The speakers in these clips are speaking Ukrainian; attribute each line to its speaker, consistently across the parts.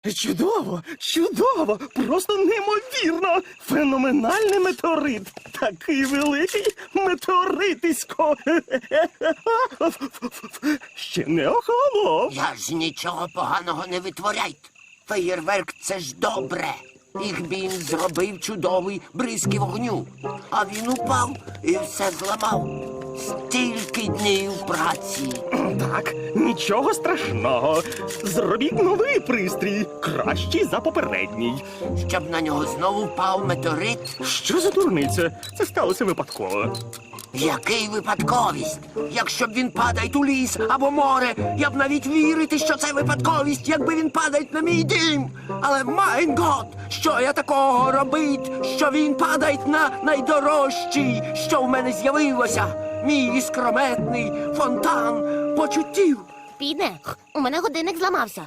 Speaker 1: Чудово, чудово, просто неймовірно. Феноменальний метеорит. Такий великий метеоритисько. Ще не охолонув.
Speaker 2: Я ж нічого поганого не витворяйте. Феєрверк – це ж добре. Їх він зробив чудовий бризки вогню. А він упав і все зламав. Стільки днів праці.
Speaker 1: Так, нічого страшного. Зробіть новий пристрій, кращий за попередній.
Speaker 2: Щоб на нього знову впав метеорит.
Speaker 1: Що за дурниця? Це сталося випадково.
Speaker 2: Який випадковість? Якщо б він падає у ліс або море, я б навіть вірити, що це випадковість, якби він падає на мій дім. Але, майн гот, що я такого робить, що він падає на найдорожчий, що в мене з'явилося? Мій іскрометний фонтан почуттів.
Speaker 3: Піде, у мене годинник зламався.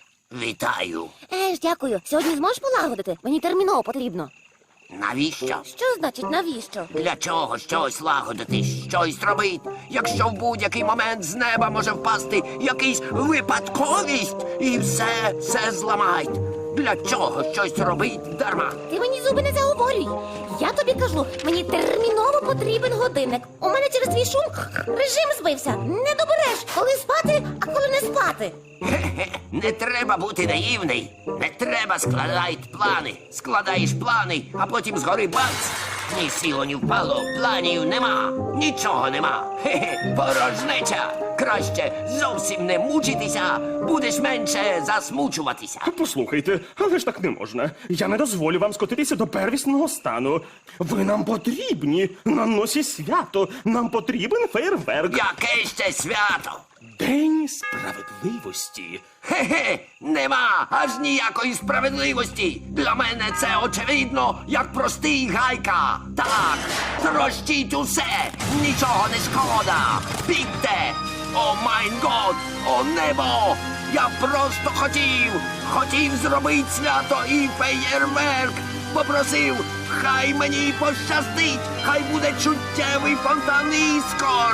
Speaker 2: Вітаю.
Speaker 3: Дякую. Сьогодні зможеш полагодити? Мені терміново потрібно.
Speaker 2: Навіщо?
Speaker 3: Що значить навіщо?
Speaker 2: Для чого щось лагодити, щось робити, якщо в будь-який момент з неба може впасти якийсь випадковість і все зламають? Для чого щось робить дарма?
Speaker 3: Ти мені зуби не заговорюй. Я тобі кажу, мені терміново потрібен годинник. У мене через твій шум режим збився. Не добереш, коли спати, а коли не спати.
Speaker 2: Хе-хе, не треба бути наївний. Не треба складати плани. Складаєш плани, а потім згори бац. Ні сіло, ні впало, планів нема. Нічого нема. Хе-хе, порожнеча. Краще зовсім не мучитися, будеш менше засмучуватися.
Speaker 1: Послухайте, але ж так не можна. Я не дозволю вам скотитися до первісного стану. Ви нам потрібні. На носі свято. Нам потрібен фейерверк.
Speaker 2: Яке ще свято?
Speaker 1: День справедливості.
Speaker 2: Хе-хе, нема аж ніякої справедливості. Для мене це очевидно, як простий гайка. Так, трощіть усе, нічого не шкода. Бігте! О майн год, о небо! Я просто хотів зробити свято і феєрверк. Попросив, хай мені пощастить, хай буде чуттєвий фонтан іскор.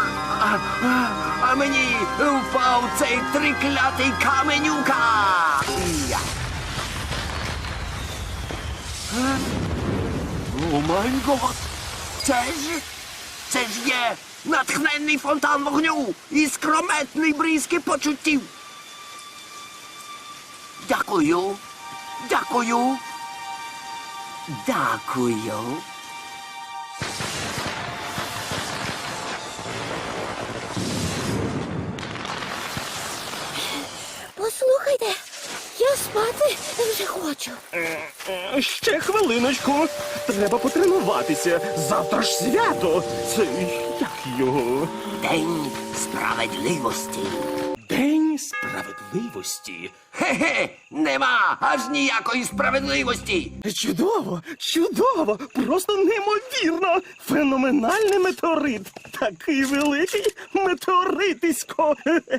Speaker 2: А мені впав цей триклятий каменюка. Я. О май гот! Це ж є натхненний фонтан вогню і скрометний бризки почуттів. Дякую. Дякую. Дякую.
Speaker 3: Послухайте, я спати вже хочу.
Speaker 1: Ще хвилиночку. Треба потренуватися. Завтра ж свято. Це як його?
Speaker 2: День справедливості.
Speaker 1: День справедливості.
Speaker 2: Хе-хе, нема аж ніякої справедливості.
Speaker 1: Чудово, чудово, просто неймовірно. Феноменальний метеорит. Такий великий метеоритисько.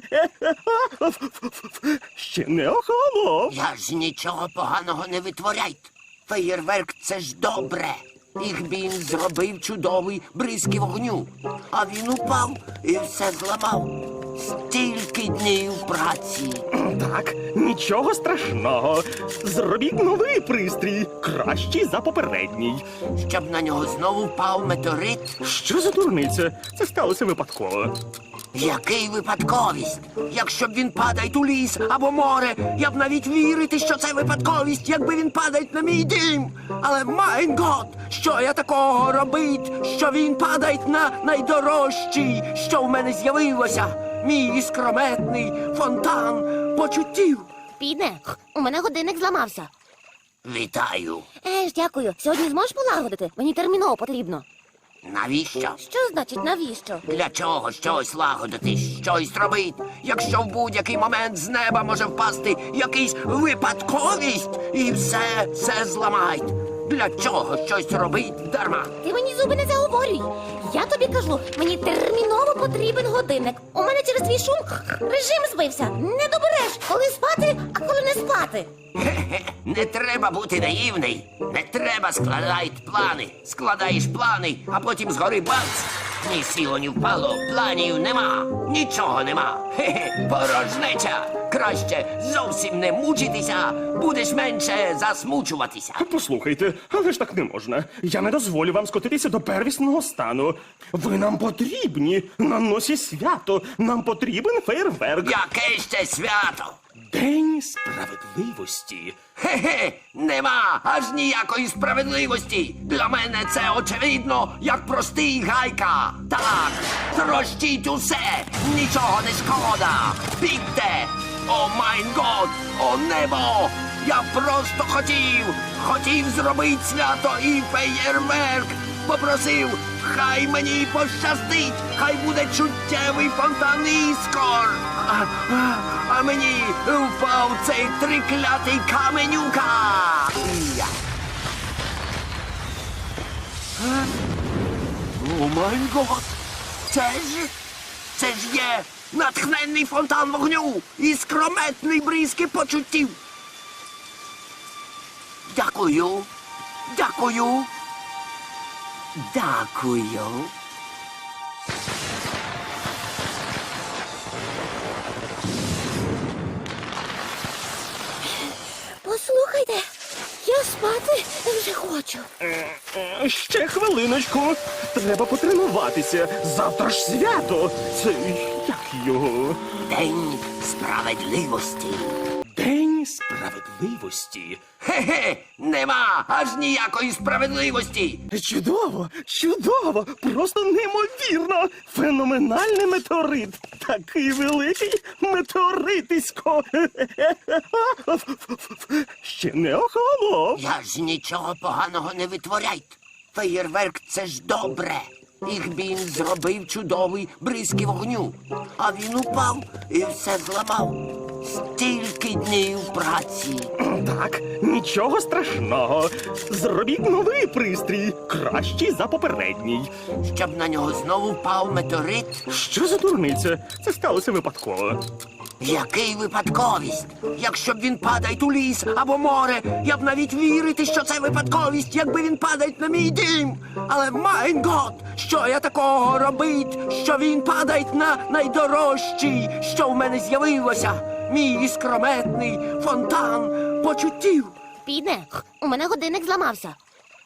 Speaker 1: Ще не охолонув.
Speaker 2: Я ж нічого поганого не витворяйте. Феєрверк – це ж добре. Їх він зробив чудовий бризки вогню. А він упав і все зламав. Стільки днів праці.
Speaker 1: Так, нічого страшного. Зробіть новий пристрій, кращий за попередній.
Speaker 2: Щоб на нього знову впав метеорит.
Speaker 1: Що за дурниця? Це сталося випадково.
Speaker 2: Який випадковість? Якщо б він падає у ліс або море, я б навіть вірити, що це випадковість, якби він падає на мій дім. Але, майн гот, що я такого робить, що він падає на найдорожчий, що в мене з'явилося? Мій іскрометний фонтан почуттів.
Speaker 3: Піде, у мене годинник зламався.
Speaker 2: Вітаю.
Speaker 3: Дякую. Сьогодні зможеш полагодити? Мені терміново потрібно.
Speaker 2: Навіщо?
Speaker 3: Що значить навіщо?
Speaker 2: Для чого щось лагодити, щось робити, якщо в будь-який момент з неба може впасти якийсь випадковість і все зламають? Для чого щось робить дарма?
Speaker 3: Ти мені зуби не заговорюй. Я тобі кажу, мені терміново потрібен годинник. У мене через твій шум режим збився. Не добереш, коли спати, а коли не спати.
Speaker 2: Хе-хе, не треба бути наївний. Не треба складати плани. Складаєш плани, а потім згори бац. Ні сіло, ні впало, планів нема, нічого нема. Хе-хе, порожнеча. Краще зовсім не мучитися, будеш менше засмучуватися.
Speaker 1: Послухайте, але ж так не можна. Я не дозволю вам скотитися до первісного стану. Ви нам потрібні на носі свято. Нам потрібен фейерверк.
Speaker 2: Яке ще свято?
Speaker 1: День справедливості.
Speaker 2: Хе-хе, нема аж ніякої справедливості. Для мене це очевидно, як простий гайка. Так, трощіть усе, нічого не шкода. Бігте! О майн год, о небо! Я просто хотів зробити свято і феєрверк. Попросив, хай мені пощастить, хай буде чуттєвий фонтан іскор. А мені впав цей триклятий каменюка. Я. О май гот! Це ж є натхненний фонтан вогню і скрометний бризки почуттів. Дякую. Дякую. Дякую.
Speaker 3: Послухайте, я спати вже хочу.
Speaker 1: Ще хвилиночку. Треба потренуватися. Завтра ж свято. Це як його?
Speaker 2: День справедливості.
Speaker 1: День справедливості.
Speaker 2: Хе-хе, нема аж ніякої справедливості.
Speaker 1: Чудово, чудово, просто неймовірно. Феноменальний метеорит. Такий великий метеоритисько. Ще не охолонув.
Speaker 2: Я ж нічого поганого не витворяйте. Феєрверк — це ж добре. Їх він зробив чудовий бризки вогню. А він упав і все зламав. Стільки днів праці.
Speaker 1: Так, нічого страшного. Зробіть новий пристрій, кращий за попередній.
Speaker 2: Щоб на нього знову впав метеорит.
Speaker 1: Що за дурниця? Це сталося випадково.
Speaker 2: Який випадковість? Якщо б він падає у ліс або море, я б навіть вірити, що це випадковість, якби він падає на мій дім. Але майн гот, що я такого робить, що він падає на найдорожчий, що в мене з'явилося. Мій іскрометний фонтан почуттів.
Speaker 3: Піде, у мене годинник зламався.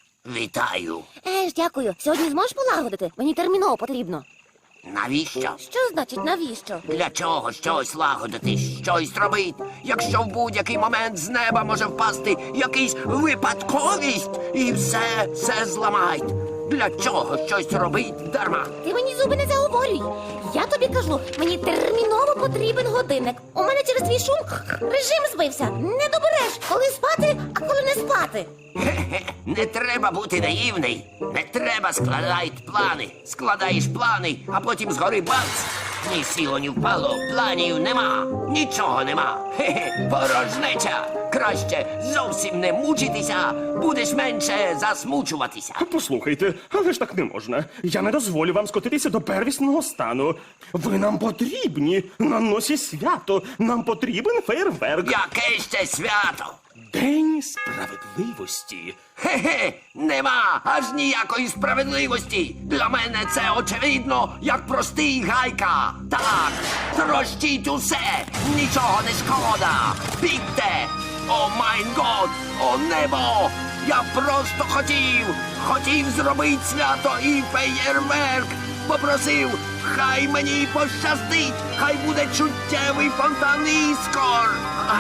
Speaker 2: Вітаю.
Speaker 3: Дякую. Сьогодні зможеш полагодити? Мені терміново потрібно.
Speaker 2: Навіщо?
Speaker 3: Що значить навіщо?
Speaker 2: Для чого щось лагодити, щось робити, якщо в будь-який момент з неба може впасти якийсь випадковість і все зламають? Для чого щось робить дарма?
Speaker 3: Ти мені зуби не заговорюй. Я тобі кажу, мені терміново потрібен годинник. У мене через твій шум режим збився. Не добереш, коли спати, а коли не спати.
Speaker 2: Хе-хе, не треба бути наївний. Не треба складати плани. Складаєш плани, а потім згори бац. Ні сіло, ні впало, планів нема, нічого нема. Хе-хе, порожнеча. Краще зовсім не мучитися, будеш менше засмучуватися.
Speaker 1: Послухайте, але ж так не можна. Я не дозволю вам скотитися до первісного стану. Ви нам потрібні на носі свято. Нам потрібен фейерверк.
Speaker 2: Яке ще свято?
Speaker 1: День справедливості.
Speaker 2: Хе-хе, нема аж ніякої справедливості. Для мене це очевидно, як простий гайка. Так, трощіть усе, нічого не шкода. Бігте! О майн год, о небо! Я просто хотів зробити свято і феєрверк. Попросив, хай мені пощастить, хай буде чуттєвий фонтан іскор.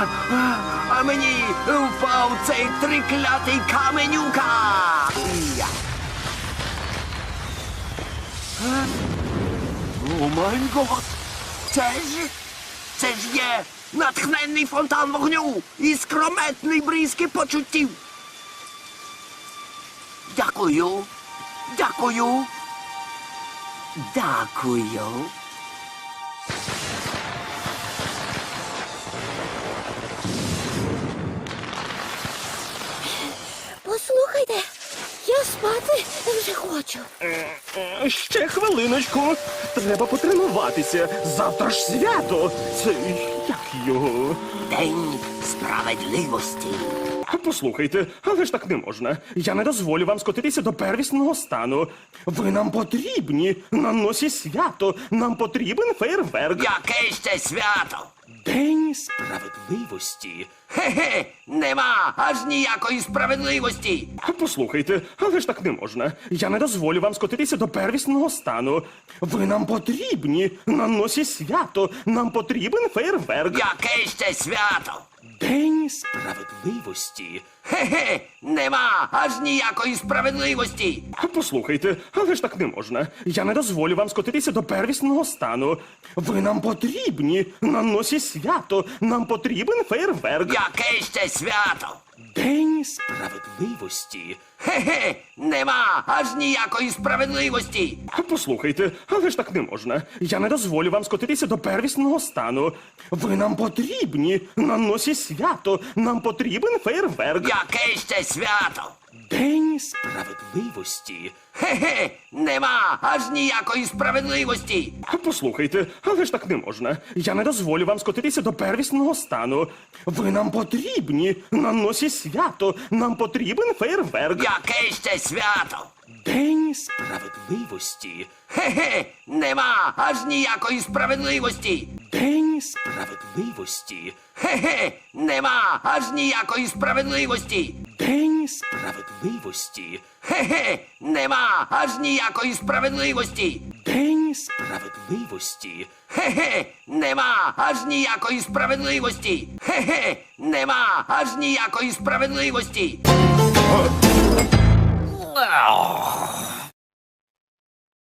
Speaker 2: А мені впав цей триклятий каменюка. Я. О май гот! Це ж є натхненний фонтан вогню і скрометний бризки почуттів. Дякую. Дякую. Дякую.
Speaker 3: Послухайте, я спати вже хочу.
Speaker 1: Ще хвилиночку. Треба потренуватися. Завтра ж свято. Це Як його?
Speaker 2: День справедливості.
Speaker 1: Послухайте, але ж так не можна. Я не дозволю вам скотитися до первісного стану. Ви нам потрібні. На носі свято. Нам потрібен фейерверк.
Speaker 2: Яке ще свято?
Speaker 1: День справедливості.
Speaker 2: Хе-хе, нема аж ніякої справедливості.
Speaker 1: Послухайте, але ж так не можна. Я не дозволю вам скотитися до первісного стану. Ви нам потрібні. На носі свято. Нам потрібен фейерверк.
Speaker 2: Яке ще свято?
Speaker 1: День справедливості.
Speaker 2: Хе-хе, нема аж ніякої справедливості.
Speaker 1: Послухайте, але ж так не можна. Я не дозволю вам скотитися до первісного стану. Ви нам потрібні. На носі свято. Нам потрібен фейерверк.
Speaker 2: Яке ще свято?
Speaker 1: День справедливості.
Speaker 2: Хе-хе, нема аж ніякої справедливості.
Speaker 1: Послухайте, але ж так не можна. Я не дозволю вам скотитися до первісного стану. Ви нам потрібні. На носі свято. Нам потрібен фейерверк.
Speaker 2: Яке ще свято?
Speaker 1: День справедливості.
Speaker 2: Хе-хе, нема аж ніякої справедливості.
Speaker 1: Послухайте, але ж так не можна. Я не дозволю вам скотитися до первісного стану. Ви нам потрібні. На носі свято. Нам потрібен фейерверк.
Speaker 2: Яке ще свято?
Speaker 1: День справедливості.
Speaker 2: Хе-хе, нема аж ніякої справедливості.
Speaker 1: День справедливості.
Speaker 2: Хе-хе, нема аж ніякої справедливості.
Speaker 1: День справедливості.
Speaker 2: Хе-хе, нема аж ніякої справедливості.
Speaker 1: День справедливості.
Speaker 2: Хе-хе, нема аж ніякої справедливості. Хе-хе, нема аж ніякої справедливості.